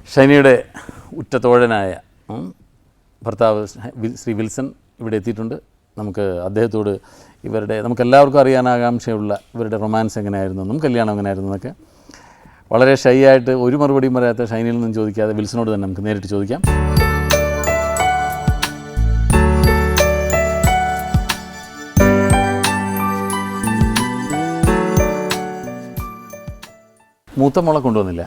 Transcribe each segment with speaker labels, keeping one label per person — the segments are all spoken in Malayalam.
Speaker 1: ഷൈനിയുടെ ഉറ്റത്തോഴനായ ഭർത്താവ് ശ്രീ വിൽസൺ ഇവിടെ എത്തിയിട്ടുണ്ട്. നമുക്ക് അദ്ദേഹത്തോട് നമുക്കെല്ലാവർക്കും അറിയാൻ ആകാംക്ഷയുള്ള ഇവരുടെ റൊമാൻസ് എങ്ങനെയായിരുന്നു, കല്യാണം എങ്ങനെയായിരുന്നു എന്നൊക്കെ വളരെ ഷൈ ആയിട്ട് ഒരു മറുപടിയും പറയാത്ത ഷൈനിയിൽ നിന്നും ചോദിക്കാതെ വിൽസനോട് തന്നെ നമുക്ക് നേരിട്ട് ചോദിക്കാം. മൂത്ത മോളെ കൊണ്ടുവന്നില്ല,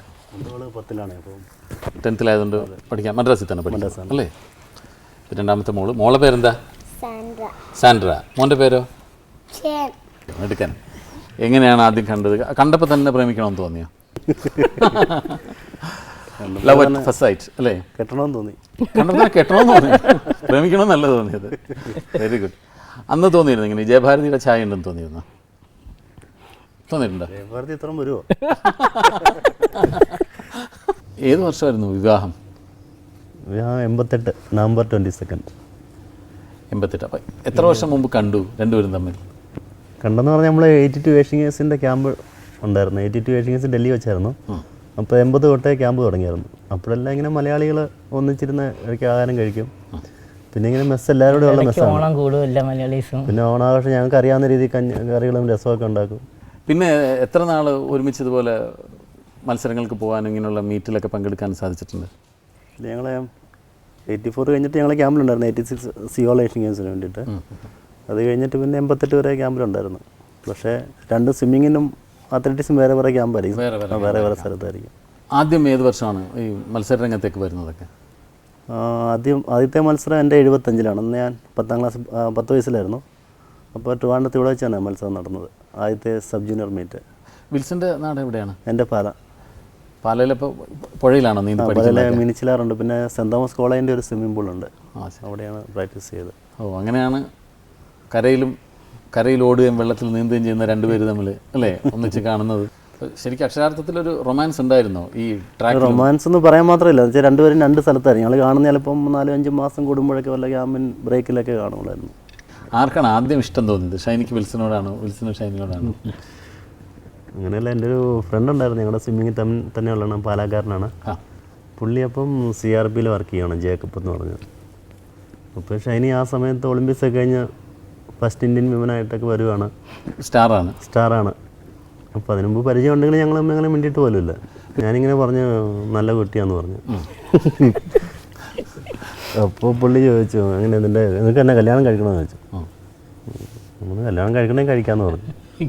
Speaker 1: 10th പഠിക്കാം, മദ്രാസിൽ തന്നെ പഠിക്കാം അല്ലേ? രണ്ടാമത്തെ മോളെ പേരെന്താ? സാൻഡ്ര. മോൻ്റെ പേരോ? എടുക്കാൻ. എങ്ങനെയാണ് ആദ്യം കണ്ടത്? കണ്ടപ്പോൾ തന്നെ പ്രേമിക്കണമെന്ന് തോന്നിയോ? ലവ് അറ്റ് ഫസ്റ്റ് സൈറ്റ് അല്ലേ?
Speaker 2: കെട്ടണമെന്ന് തോന്നി.
Speaker 1: കണ്ടപ്പോൾ കെട്ടണമെന്ന് തോന്നി, പ്രേമിക്കണമെന്നല്ല തോന്നിയത്. Very good. അന്ന് തോന്നിയിരുന്നു ഇങ്ങനെ ജയഭാരതിയുടെ ഛായ ഉണ്ടെന്ന് തോന്നിയിരുന്നോ? തോന്നിയിട്ടുണ്ടോ?
Speaker 2: ജയഭാരതി ഇത്രയും വരുമോ?
Speaker 1: ഏത് വർഷമായിരുന്നു വിവാഹം?
Speaker 2: 88 നവംബർ 22.
Speaker 1: 88. അപ്പം എത്ര വർഷം മുമ്പ് കണ്ടു രണ്ടുപേരും തമ്മിൽ?
Speaker 2: കണ്ടെന്ന് പറഞ്ഞാൽ നമ്മൾ 82 ഏഷ്യൻസിൻ്റെ ക്യാമ്പ് ഉണ്ടായിരുന്നു. 82 ഏഷ്യൻസ് ഡൽഹി വെച്ചായിരുന്നു. അപ്പോൾ 80 തൊട്ടേ ക്യാമ്പ് തുടങ്ങിയായിരുന്നു. അപ്പോഴെല്ലാം ഇങ്ങനെ മലയാളികൾ ഒന്നിച്ചിരുന്ന് ഇടയ്ക്ക് ആഹാരം കഴിക്കും. പിന്നെ ഇങ്ങനെ മെസ്സ് എല്ലാവരോടും ഉള്ള മെസ്സാണ്. പിന്നെ ഓണാഘോഷം ഞങ്ങൾക്ക് അറിയാവുന്ന രീതിയിൽ കറികളും രസമൊക്കെ ഉണ്ടാക്കും.
Speaker 1: പിന്നെ എത്ര നാൾ ഒരുമിച്ചതുപോലെ മത്സരങ്ങൾക്ക് പോകാനും ഇങ്ങനെയുള്ള മീറ്റിലൊക്കെ പങ്കെടുക്കാൻ സാധിച്ചിട്ടുണ്ട്?
Speaker 2: ഞങ്ങൾ 84 കഴിഞ്ഞിട്ട് ഞങ്ങൾ ക്യാമ്പിലുണ്ടായിരുന്നു, 86 സിയോൾ ഏഷ്യൻ ഗെയിംസിന് വേണ്ടിയിട്ട്. അത് കഴിഞ്ഞിട്ട് പിന്നെ 88 വരെ ക്യാമ്പിലുണ്ടായിരുന്നു. പക്ഷേ 2 സ്വിമ്മിങ്ങിനും അത്ലറ്റിക്സും വേറെ വേറെ ക്യാമ്പായിരിക്കും, വേറെ സ്ഥലത്തായിരിക്കും.
Speaker 1: ആദ്യം ഏത് വർഷമാണ് ഈ മത്സര രംഗത്തേക്ക് വരുന്നതൊക്കെ?
Speaker 2: ആദ്യത്തെ മത്സരം എൻ്റെ 75-ലാണ്. അന്ന് ഞാൻ 10 വയസ്സിലായിരുന്നു. അപ്പോൾ ട്രിവാൻഡ്രത്ത് ഇവിടെ വെച്ചാണ് മത്സരം നടന്നത്, ആദ്യത്തെ സബ് ജൂനിയർ മീറ്റ്.
Speaker 1: വിൽസൻ്റെ നാട് എവിടെയാണ്?
Speaker 2: എൻ്റെ
Speaker 1: പാലയിലിപ്പോൾ പുഴയിലാണോ നീന്തി?
Speaker 2: പാലയിലെ മിനിച്ചിലാറുണ്ട്. പിന്നെ സെൻറ് തോമസ് കോളേജിൻ്റെ ഒരു സ്വിമ്മിംഗ് പൂളുണ്ട്, അവിടെയാണ് പ്രാക്ടീസ് ചെയ്തത്.
Speaker 1: അങ്ങനെയാണ് കരയിൽ ഓടുകയും വെള്ളത്തിൽ നീന്തുകയും ചെയ്യുന്ന രണ്ടുപേര് തമ്മിൽ അല്ലേ ഒന്നിച്ച് കാണുന്നത്. ശരിക്കും അക്ഷരാർത്ഥത്തിലൊരു റൊമാൻസ് ഉണ്ടായിരുന്നോ ഈ ട്രാക്ക്?
Speaker 2: റൊമാൻസ് എന്ന് പറയാൻ മാത്രമല്ല, വെച്ചാൽ രണ്ടുപേരും 2 സ്ഥലത്തായിരുന്നു. ഞങ്ങൾ കാണുന്ന ചിലപ്പം 4-5 മാസം കൂടുമ്പോഴൊക്കെ വല്ല ക്യാമ്പിൻ ബ്രേക്കിലൊക്കെ കാണുള്ളായിരുന്നു.
Speaker 1: ആർക്കാണ് ആദ്യം ഇഷ്ടം തോന്നിയത്? ഷൈനിക്ക് വിൽസനോടാണോ, വിൽസന് ഷൈനിയോടാണോ?
Speaker 2: അങ്ങനെയല്ല, എൻ്റെ ഒരു ഫ്രണ്ട് ഉണ്ടായിരുന്നു, ഞങ്ങളുടെ സ്വിമ്മിങ് തന്നെയുള്ളതാണ്, പാലക്കാരനാണ്. പുള്ളി അപ്പം CRPയിൽ വർക്ക് ചെയ്യണം, ജേക്കബ് എന്ന് പറഞ്ഞത്. അപ്പോൾ ഷൈനി ആ സമയത്ത് ഒളിമ്പിക്സ് ഒക്കെ കഴിഞ്ഞ് ഫസ്റ്റ് ഇന്ത്യൻ വിമനായിട്ടൊക്കെ വരുവാണ്, സ്റ്റാറാണ്. അപ്പോൾ അതിന് മുമ്പ് പരിചയം ഉണ്ടെങ്കിൽ ഞങ്ങൾ അങ്ങനെ മിണ്ടിയിട്ട് പോലുമില്ല. ഞാനിങ്ങനെ പറഞ്ഞു നല്ല കുട്ടിയാന്ന് പറഞ്ഞു. അപ്പോൾ പുള്ളി ചോദിച്ചു അങ്ങനെ നിനക്ക് എന്നെ കല്യാണം കഴിക്കണമെന്ന് ചോദിച്ചു. നമ്മൾ കല്യാണം കഴിക്കണമെങ്കിൽ കഴിക്കാമെന്ന് പറഞ്ഞു.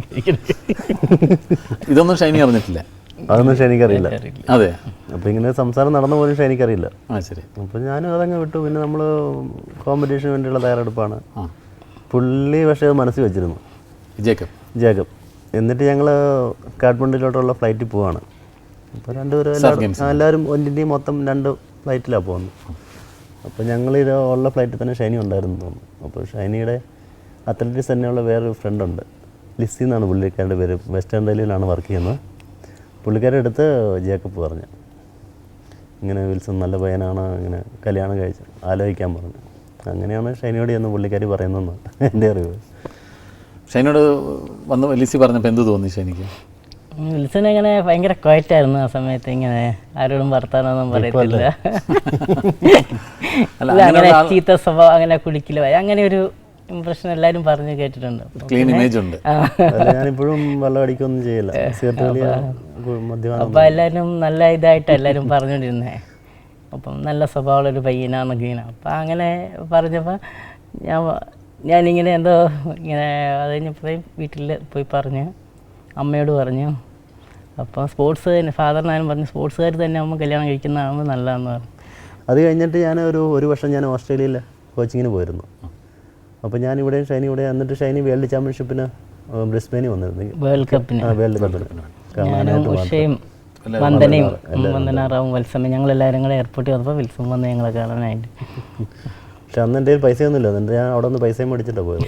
Speaker 1: ഇതൊന്നും ഷൈനി അറിഞ്ഞിട്ടില്ല?
Speaker 2: അതൊന്നും ഷൈനിക്കറിയില്ല.
Speaker 1: അതെ.
Speaker 2: അപ്പോൾ ഇങ്ങനെ സംസാരം നടന്ന പോലും ഷൈനിക്കറിയില്ല.
Speaker 1: ശരി.
Speaker 2: അപ്പോൾ ഞാനും അതങ്ങ് വിട്ടു. പിന്നെ നമ്മൾ കോമ്പറ്റീഷന് വേണ്ടിയുള്ള തയ്യാറെടുപ്പാണ്. പുള്ളി പക്ഷേ അത് മനസ്സിൽ വെച്ചിരുന്നു, ജേക്കബ്. എന്നിട്ട് ഞങ്ങൾ കാഠ്മണ്ഡുവിലോട്ടുള്ള ഫ്ലൈറ്റിൽ പോവാണ്. അപ്പോൾ എല്ലാവരും ഒന്നിൻ്റെയും മൊത്തം 2 ഫ്ലൈറ്റിലാണ് പോകുന്നത്. അപ്പോൾ ഞങ്ങൾ ഉള്ള ഫ്ലൈറ്റിൽ തന്നെ ഷൈനി ഉണ്ടായിരുന്നു തോന്നുന്നു. അപ്പോൾ ഷൈനിയുടെ അത്ലറ്റിക്സ് തന്നെയുള്ള വേറൊരു ഫ്രണ്ടുണ്ട്, ലിസി എന്നാണ് പുള്ളിക്കാരുടെ പേര്. വെസ്റ്റേൺ റെയിൽവേയിലാണ് വർക്ക് ചെയ്യുന്നത്. പുള്ളിക്കാരുടെ അടുത്ത് ജേക്കബ് പറഞ്ഞു ഇങ്ങനെ വിൽസൺ നല്ല പയ്യനാണ്, ഇങ്ങനെ കല്യാണം കഴിച്ച് ആലോചിക്കാൻ പറഞ്ഞു. അങ്ങനെയാണ് ഷൈനിയോട് ചെന്ന് പുള്ളിക്കാരി പറയുന്നതെന്ന് എൻ്റെ അറിവ്.
Speaker 1: ഷൈനിയോട് വന്ന് ലിസി പറഞ്ഞപ്പോൾ എന്ത് തോന്നി ഷൈനിക്ക്?
Speaker 3: വിൽസൺ ഇങ്ങനെ ഭയങ്കര ക്വയറ്റായിരുന്നു ആ സമയത്ത്, ഇങ്ങനെ ആരോടും വർത്താനൊന്നും പറയത്തില്ല, അങ്ങനെ ചീത്ത സ്വഭാവം, അങ്ങനെ കുടിക്കില്ല, അങ്ങനെ ഒരു ഇംപ്രഷൻ എല്ലാവരും പറഞ്ഞു കേട്ടിട്ടുണ്ട്.
Speaker 1: ക്ലീൻ ഇമേജ് ഉണ്ട്.
Speaker 2: ഞാനിപ്പോഴും വെള്ളം അടിക്കൊന്നും ചെയ്യില്ല.
Speaker 3: അപ്പോൾ എല്ലാവരും നല്ല ഇതായിട്ടാണ് എല്ലാവരും പറഞ്ഞുകൊണ്ടിരുന്നത്. അപ്പം നല്ല സ്വഭാവമുള്ളൊരു പയ്യനാന്നൊക്കെ ഇങ്ങനെ. അപ്പം അങ്ങനെ പറഞ്ഞപ്പോൾ ഞാനിങ്ങനെ എന്തോ ഇങ്ങനെ അത് കഴിഞ്ഞപ്പോഴേ വീട്ടിൽ പോയി പറഞ്ഞു, അമ്മയോട് പറഞ്ഞു. അപ്പോൾ സ്പോർട്സ് തന്നെ ഫാദറിനായാലും പറഞ്ഞു, സ്പോർട്സുകാർ തന്നെ ആകുമ്പോൾ കല്യാണം കഴിക്കുന്നതാകുമ്പോൾ നല്ലതെന്ന് പറഞ്ഞു.
Speaker 2: അത് കഴിഞ്ഞിട്ട് ഞാൻ ഒരു വർഷം ഞാൻ ഓസ്ട്രേലിയയിൽ കോച്ചിങ്ങിന് പോയിരുന്നു. അപ്പോൾ ഞാനിവിടെയും ഷൈനി ഇവിടെ. എന്നിട്ട് ഷൈനി വേൾഡ് ചാമ്പ്യൻഷിപ്പിന് ബ്രിസ്ബെയിനിൽ വന്നിരുന്നു,
Speaker 3: വേൾഡ് കപ്പിന്. ഉഷയും വന്ദനാറാവും വത്സമയം ഞങ്ങളെല്ലാവരും കൂടെ എയർപോർട്ടിൽ വന്നപ്പോൾ വിൽസം വന്ന് ഞങ്ങളെ കാണാനായിട്ട്.
Speaker 2: പക്ഷെ അന്ന് എൻ്റെ പൈസയൊന്നുമില്ല, എന്നിട്ട് ഞാൻ അവിടെ നിന്ന് പൈസയും മേടിച്ചിട്ടാണ് പോയത്.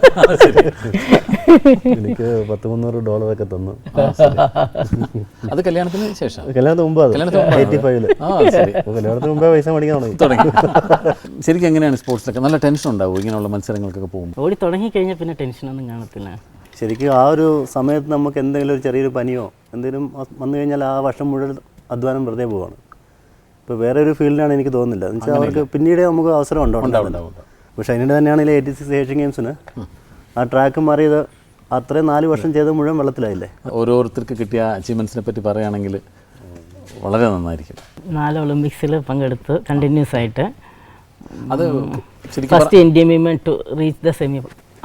Speaker 2: എനിക്ക് $100-300 തന്നു.
Speaker 1: അത് കല്യാണത്തിന് ശേഷം?
Speaker 2: കല്യാണത്തിന് മുമ്പ്, 85-ല്. കല്യാണത്തിന് മുമ്പേ പൈസ മേടിക്കാൻ തുടങ്ങി.
Speaker 1: ശരിക്കും എങ്ങനെയാണ് സ്പോർട്സിലൊക്കെ നല്ല ടെൻഷൻ ഉണ്ടാവും ഇങ്ങനെയുള്ള മത്സരങ്ങൾക്കൊക്കെ പോകുമ്പോൾ?
Speaker 3: ഓടി തുടങ്ങി കഴിഞ്ഞാൽ പിന്നെ ടെൻഷനൊന്നും കാണത്തില്ല.
Speaker 2: ശരിക്കും ആ ഒരു സമയത്ത് നമുക്ക് എന്തെങ്കിലും ഒരു ചെറിയൊരു പനിയോ എന്തെങ്കിലും വന്നു കഴിഞ്ഞാൽ ആ വർഷം മുഴുവൻ അധ്വാനം വെറുതെ പോവാണ്. ഇപ്പോൾ വേറെ ഒരു ഫീൽഡിലാണ് എനിക്ക് തോന്നുന്നില്ല എന്ന് വെച്ചാൽ അവർക്ക് പിന്നീട് നമുക്ക് അവസരം ഉണ്ടാവും. ഇപ്പോൾ ഷൈനിയുടെ തന്നെയാണെങ്കിൽ 86 ഏഷ്യൻ ഗെയിംസിന് ആ ട്രാക്ക് മാറിയത് അത്രയും 4 വർഷം ചെയ്ത് മുഴുവൻ വെള്ളത്തിലായില്ലേ.
Speaker 1: ഓരോരുത്തർക്ക് കിട്ടിയ അച്ചീവ്മെൻറ്റ്സിനെ പറ്റി പറയുകയാണെങ്കിൽ വളരെ നന്നായിരിക്കും.
Speaker 3: 4 ഒളിമ്പിക്സിൽ പങ്കെടുത്ത് കണ്ടിന്യൂസ് ആയിട്ട്.
Speaker 1: അത് ശരിക്കും
Speaker 3: first Indian women to reach the semi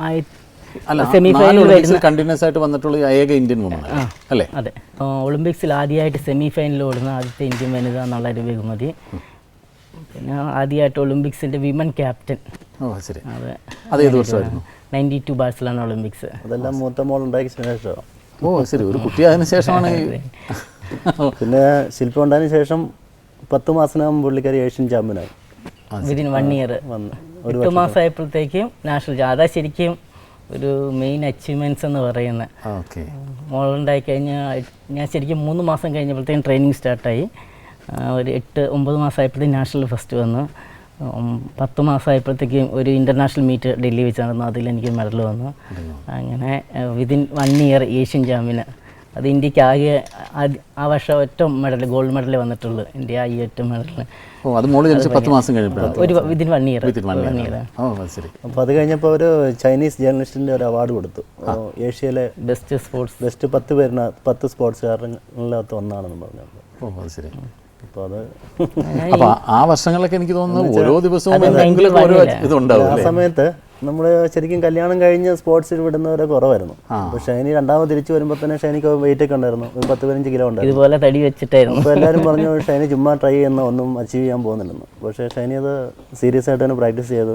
Speaker 1: അല്ല,
Speaker 3: സെമിഫൈനൽ
Speaker 1: കണ്ടിന്യൂസ് ആയിട്ട് വന്നിട്ടുള്ള ഏക ഇന്ത്യൻ വുമൺ അല്ലേ?
Speaker 3: അതെ, ഒളിമ്പിക്സിൽ ആദ്യമായിട്ട് സെമിഫൈനലിൽ ഓടുന്ന ആദ്യത്തെ ഇന്ത്യൻ വനിത എന്നുള്ളൊരു ബഹുമതി. പിന്നെ ആദ്യമായിട്ട് ഒളിമ്പിക്സിൻ്റെ വിമൻ ക്യാപ്റ്റൻ.
Speaker 1: ഓ ശരി.
Speaker 3: അതെ,
Speaker 1: അത് ഏത് വർഷമായിരുന്നു?
Speaker 3: 92 ബാഴ്സലോണ ഒളിമ്പിക്സ്.
Speaker 2: അതെല്ലാം മൂത്ത മോൾ ഉണ്ടാക്കിയ ശേഷം.
Speaker 1: ഓ ശരി, ഒരു കുട്ടി അതിന് ശേഷമാണ്.
Speaker 2: പിന്നെ ശില്പ ഉണ്ടായതിനു ശേഷം 10 മാസത്തിനകം പുള്ളിക്കാരി ഏഷ്യൻ ചാമ്പ്യനായി.
Speaker 3: വിതിൻ 1 ഇയർ 8 മാസമായപ്പോഴത്തേക്കും നാഷണൽ. അതാ ശരിക്കും ഒരു മെയിൻ അച്ചീവ്മെൻറ്റ്സ് എന്ന് പറയുന്നത്.
Speaker 1: ഓക്കെ.
Speaker 3: മോളുണ്ടായി കഴിഞ്ഞാൽ ഞാൻ ശരിക്കും 3 മാസം കഴിഞ്ഞപ്പോഴത്തേക്കും ട്രെയിനിങ് സ്റ്റാർട്ടായി. ഒരു 8-9 മാസമായപ്പോഴത്തേക്കും നാഷണൽ ഫസ്റ്റ് വന്നു. 10 മാസമായപ്പോഴത്തേക്കും ഒരു ഇൻ്റർനാഷണൽ മീറ്റ് ഡൽഹി വെച്ച് നടന്നു, അതിലെനിക്ക് മെഡൽ വന്നു. അങ്ങനെ വിതിൻ 1 ഇയർ ഏഷ്യൻ ചാമ്പ്യന്. അത് ഇന്ത്യക്ക് ആകെ ആ വർഷം ഒറ്റ മെഡൽ, ഗോൾഡ് മെഡൽ വന്നിട്ടുള്ളൂ ഇന്ത്യ, ഈ ഒറ്റ മെഡൽ.
Speaker 1: ഓ, അത് മോള് ജനിച്ച് 10 മാസം കഴിഞ്ഞപ്പോഴാണ്.
Speaker 3: ഒരു വിതിൻ 1 ഇയർ.
Speaker 1: ഓ ശരി.
Speaker 2: അപ്പോൾ അത് കഴിഞ്ഞപ്പോൾ ഒരു ചൈനീസ് ജേർണലിസ്റ്റിൻ്റെ ഒരു അവാർഡ് കൊടുത്തു. ഏഷ്യയിലെ
Speaker 3: ബെസ്റ്റ് സ്പോർട്സ്,
Speaker 2: ബെസ്റ്റ് 10 പേരിന് 10 സ്പോർട്സുകാരിനകത്ത് ഒന്നാണെന്ന് പറഞ്ഞത്.
Speaker 1: ഓ അത് ശരി.
Speaker 2: അപ്പോൾ അത്
Speaker 1: അപ്പോൾ ആ വർഷങ്ങളൊക്കെ എനിക്ക് തോന്നുന്നു ഓരോ ദിവസവും ഓരോ ഇതുണ്ടാവും.
Speaker 2: ആ സമയത്ത് നമ്മൾ ശരിക്കും കല്യാണം കഴിഞ്ഞ് സ്പോർട്സിൽ വിടുന്നവരെ കുറവായിരുന്നു. അപ്പോൾ ഷൈനി രണ്ടാമത് തിരിച്ചു വരുമ്പോൾ തന്നെ ഷൈനിക്ക് വെയിറ്റ് ഒക്കെ ഉണ്ടായിരുന്നു, ഒരു 10-15 കിലോ ഉണ്ടായിരുന്നു.
Speaker 3: ഇതുപോലെ തടി വെച്ചിട്ടായിരുന്നു.
Speaker 2: അപ്പോൾ എല്ലാവരും പറഞ്ഞു ഷൈനി ചുമ്മാ ട്രൈ ചെയ്യുന്ന ഒന്നും അച്ചീവ് ചെയ്യാൻ പോകുന്നില്ലെന്ന്. പക്ഷേ ഷൈനി അത് സീരിയസ് ആയിട്ട് തന്നെ പ്രാക്ടീസ് ചെയ്തു.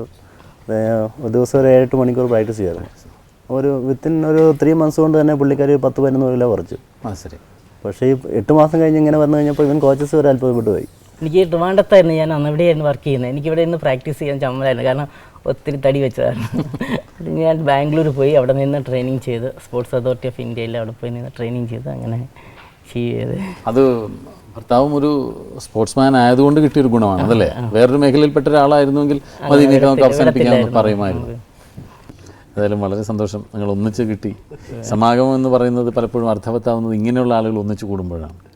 Speaker 2: ഒരു ദിവസം ഒരു 7-8 മണിക്കൂർ പ്രാക്ടീസ് ചെയ്തു. വിത്തിൻ ഒരു 3 മന്ത്സ് കൊണ്ട് തന്നെ പുള്ളിക്കാർ 10-11 കിലോ കുറച്ചു.
Speaker 1: ശരി.
Speaker 2: പക്ഷേ ഈ 8 മാസം കഴിഞ്ഞ് ഇങ്ങനെ വന്നു കഴിഞ്ഞപ്പോൾ ഇവൻ കോച്ചസ് ഒരു അത്ഭുതപ്പെട്ടു പോയി.
Speaker 3: എനിക്ക് ട്രിവാൻഡ്രത്തായിരുന്നു ഞാൻ അന്ന്, ഇവിടെയായിരുന്നു വർക്ക് ചെയ്യുന്നത്. എനിക്കിവിടെ നിന്ന് പ്രാക്ടീസ് ചെയ്യാൻ ചമ്മലായിരുന്നു, കാരണം ഒത്തിരി തടി വെച്ചതാണ്. ഞാൻ ബാംഗ്ലൂർ പോയി അവിടെ നിന്ന് ട്രെയിനിങ് ചെയ്ത്, സ്പോർട്സ് അതോറിറ്റി ഓഫ് ഇന്ത്യയിൽ അവിടെ പോയി നിന്ന് ട്രെയിനിങ് ചെയ്ത് അങ്ങനെ ചെയ്ത്.
Speaker 1: അത് ഭർത്താവും ഒരു സ്പോർട്സ്മാൻ ആയതുകൊണ്ട് കിട്ടിയൊരു ഗുണമാണ് അതല്ലേ? വേറൊരു മേഖലയിൽപ്പെട്ട ഒരാളായിരുന്നുവെങ്കിൽ അതിനൊക്കെ നമുക്ക് അവസാനിപ്പിക്കാമെന്ന് പറയുമായിരുന്നു. ഏതായാലും വളരെ സന്തോഷം, നിങ്ങൾ ഒന്നിച്ച് കിട്ടി. സമാഗമം എന്ന് പറയുന്നത് പലപ്പോഴും അർത്ഥവത്താവുന്നത് ഇങ്ങനെയുള്ള ആളുകൾ ഒന്നിച്ച് കൂടുമ്പോഴാണ്.